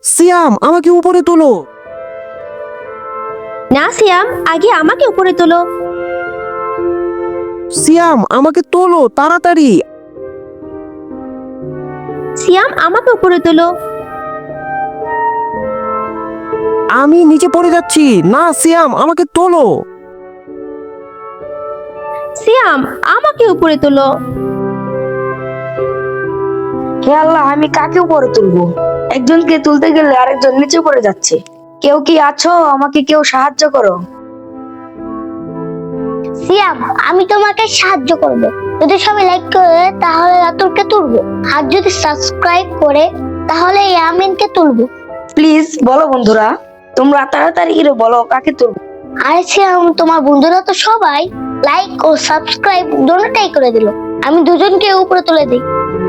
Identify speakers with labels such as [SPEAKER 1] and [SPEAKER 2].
[SPEAKER 1] সিয়াম, আমাকে উপরে তোলো।
[SPEAKER 2] না সিয়াম, আগে আমাকে উপরে তোলো।
[SPEAKER 1] সিয়াম, আমাকে তোলো তাড়াতাড়ি।
[SPEAKER 2] সিয়াম, আমাকে উপরে তোলো।
[SPEAKER 1] আমি নিচে পড়ে যাচ্ছি। না সিয়াম, আমাকে তোলো।
[SPEAKER 2] সিয়াম, আমাকে উপরে তোলো।
[SPEAKER 3] হে আল্লাহ, আমি কাকে উপরে তুলবো? একজনকে তুলতে গেলে আরেকজন নিচে পড়ে যাচ্ছে। কেউ কি আছো? আমাকে কেউ সাহায্য করো।
[SPEAKER 4] সিয়াম, আমি তোমাকে সাহায্য করব। যদি সবাই লাইক করে তাহলে রাতুলকে তুলবো, আর যদি সাবস্ক্রাইব করে তাহলে ইয়ামিনকে তুলবো।
[SPEAKER 3] প্লিজ বলো বন্ধুরা, তোমরা তাড়াতাড়ি করে বলো কাকে তুলবো।
[SPEAKER 4] আরে সিয়াম, তোমার বন্ধুরা তো সবাই লাইক ও সাবস্ক্রাইব দুটোটাই করে দিল। আমি দুজনকে উপরে তুলে দিই।